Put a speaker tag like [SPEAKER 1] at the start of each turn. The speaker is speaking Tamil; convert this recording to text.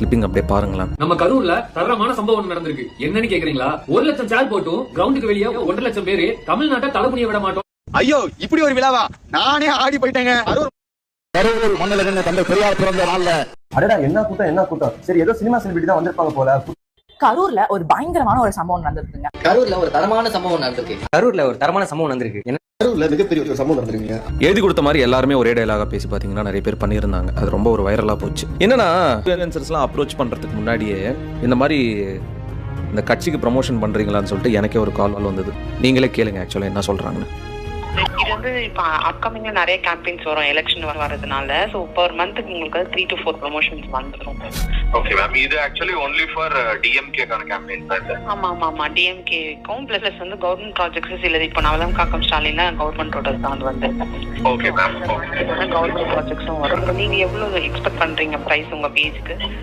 [SPEAKER 1] கிளிப்பிங் அப்படியே பாருங்களேன்.
[SPEAKER 2] நம்ம கரூர்ல தரமான சம்பவம் நடந்திருக்கு. என்னன்னு கேக்குறீங்களா? 1 லட்சம் சேர் போட்டும் கிரவுண்டுக்கு வெளியே 1.5 லட்சம் பேரு தமிழ்நாட்டை தலைமுடிய விட மாட்டோம்.
[SPEAKER 3] ஐயோ, இப்படி ஒரு விழாவா? நானே ஆடி போயிட்டேங்க.
[SPEAKER 4] கரூர் மண்ணிலிருந்து தந்தை பெரியார் பிறந்த நாள்ல
[SPEAKER 5] அடடா, என்ன கூட்டம். சரி, ஏதோ சினிமா செலிபிரிட்டி தான் வந்திருப்பாங்க போல.
[SPEAKER 6] கரூர்ல ஒரு பயங்கரமான ஒரு சம்பவம் நடந்திருக்குங்க.
[SPEAKER 7] கரூர்ல ஒரு தரமான சம்பவம் நடந்திருக்கு.
[SPEAKER 5] கரூர்ல மிகப்பெரிய ஒரு சம்பவம் நடந்திருக்குங்க.
[SPEAKER 1] எழுதி கொடுத்த மாதிரி எல்லாருமே ஒரே டயலாக பேசி பாத்தீங்கன்னா நிறைய பேர் பண்ணியிருந்தாங்க. அது ரொம்ப ஒரு வைரலா போச்சு. என்னன்னா இன்ஃப்ளூயன்சர்ஸ்லாம் அப்ரோச் பண்றதுக்கு முன்னாடியே இந்த மாதிரி இந்த கட்சிக்கு ப்ரமோஷன் பண்றீங்களான்னு சொல்லிட்டு எனக்கே ஒரு கால் வந்தது. நீங்களே கேளுங்க ஆக்சுவலா என்ன சொல்றாங்கன்னு.
[SPEAKER 8] இது வந்து இப்போ அப்கமிங்ல நிறைய கேம்பெயின்ஸ் வரும், எலெக்ஷன் வரதுனால. ஸோ பர் மந்த்துக்கு உங்களுக்கு 3 to 4 ப்ரமோஷன்ஸ் வந்துடும்.
[SPEAKER 9] ஓகே மேம், இது ஆக்சுவலி ஒன்லி ஃபார் டிஎம்கேக்கான கேம்பெயின் தான்.
[SPEAKER 8] ஆமா டிஎம்கேக்கும் பிளஸ் வந்து கவர்மெண்ட் ப்ராஜெக்ட்ஸ் இல்லது. இப்போ நவலம் காக்கம் ஸ்டாலின்ல கவர்மெண்டோட தான் வந்து.
[SPEAKER 9] ஓகே மேம்,
[SPEAKER 8] கவர்மெண்ட் ப்ராஜெக்ட்ஸும் வரும். நீங்க எவ்வளவு எக்ஸ்பெக்ட் பண்றீங்க பிரைஸ் உங்க பேஜ்க்கு?